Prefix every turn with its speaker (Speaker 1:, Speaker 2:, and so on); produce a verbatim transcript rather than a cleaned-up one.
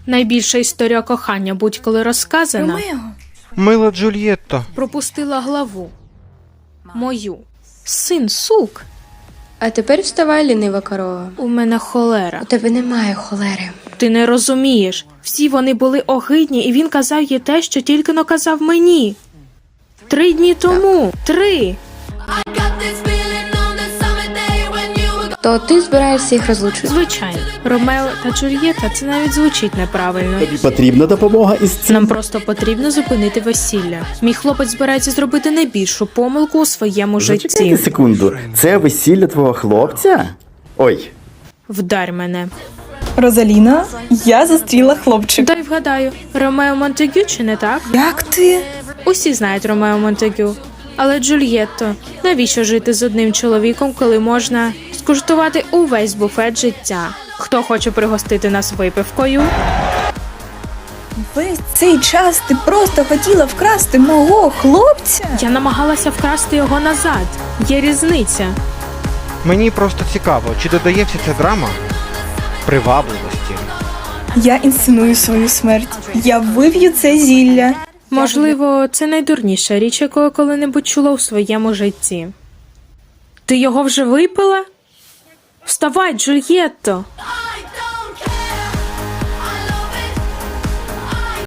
Speaker 1: Найбільша історія кохання будь-коли розказана.
Speaker 2: Ромео.
Speaker 3: Мила Джульєтто.
Speaker 1: Пропустила главу. Мою. Син сук.
Speaker 4: А тепер вставай, лінива корова.
Speaker 1: У мене холера.
Speaker 4: У тебе немає холери.
Speaker 1: Ти не розумієш. Всі вони були огидні, і він казав їй те, що тільки но казав мені. Три дні тому. Три.
Speaker 4: То ти збираєшся їх розлучити?
Speaker 1: Звичайно. Ромео та Джульєта – це навіть звучить неправильно.
Speaker 5: Тобі потрібна допомога із цим?
Speaker 1: Нам просто потрібно зупинити весілля. Мій хлопець збирається зробити найбільшу помилку у своєму
Speaker 5: Зачекайте
Speaker 1: житті.
Speaker 5: секунду. Це весілля твого хлопця? Ой.
Speaker 1: Вдарь мене.
Speaker 2: Розаліна, я зустріла хлопчика.
Speaker 1: Дай вгадаю, Ромео Монтегю чи не так?
Speaker 2: Як ти?
Speaker 1: Усі знають Ромео Монтегю. Але Джульєтто, навіщо жити з одним чоловіком, коли можна скуштувати увесь буфет життя? Хто хоче пригостити нас випивкою?
Speaker 2: Весь цей час ти просто хотіла вкрасти мого хлопця?
Speaker 1: Я намагалася вкрасти його назад. Є різниця.
Speaker 3: Мені просто цікаво, чи додає вся ця драма привабливості.
Speaker 2: Я інсценую свою смерть. Я вип'ю це зілля.
Speaker 1: Можливо, це найдурніша річ, яку я коли-небудь чула у своєму житті. Ти його вже випила? Вставай, Джульєтто!